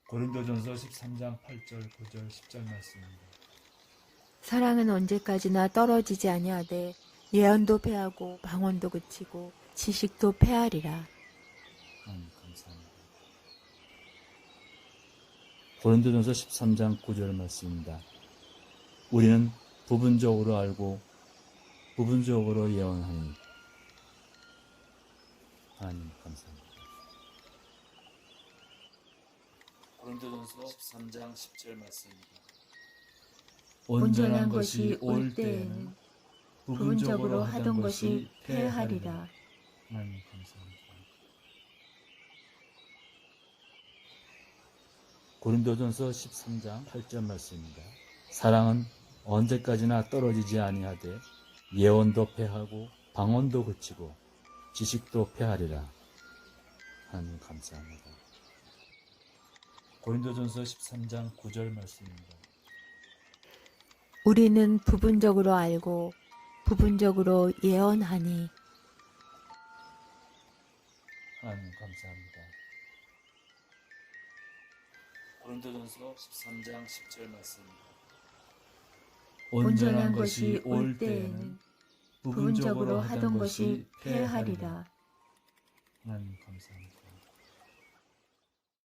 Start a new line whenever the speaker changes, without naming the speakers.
고린도전서 13장 8절, 9절, 10절 말씀입니다.
사랑은 언제까지나 떨어지지 아니하되 예언도 패하고 방언도 그치고 지식도 패하리라.
감사합니다. 고린도전서 13장 9절 말씀입니다. 우리는 부분적으로 알고 부분적으로 예언하니. 하나님 감사합니다. 고린도전서 13장 10절 말씀입니다.
온전한 것이 올 때에는 부분적으로 하던 것이 패하리라.
하나님 감사합니다. 고린도전서 13장 8절 말씀입니다. 사랑은 언제까지나 떨어지지 아니하되 예언도 패하고 방언도 그치고 지식도 패하리라. 하나님 감사합니다. 고린도전서 13장 9절 말씀입니다.
우리는 부분적으로 알고 부분적으로 예언하니.
하나님 감사합니다. 고린도전서 13장 10절 말씀입니다.
온전한 것이 올 때에는 부분적으로 하던 것이 패하리라.
하나님 감사합니다.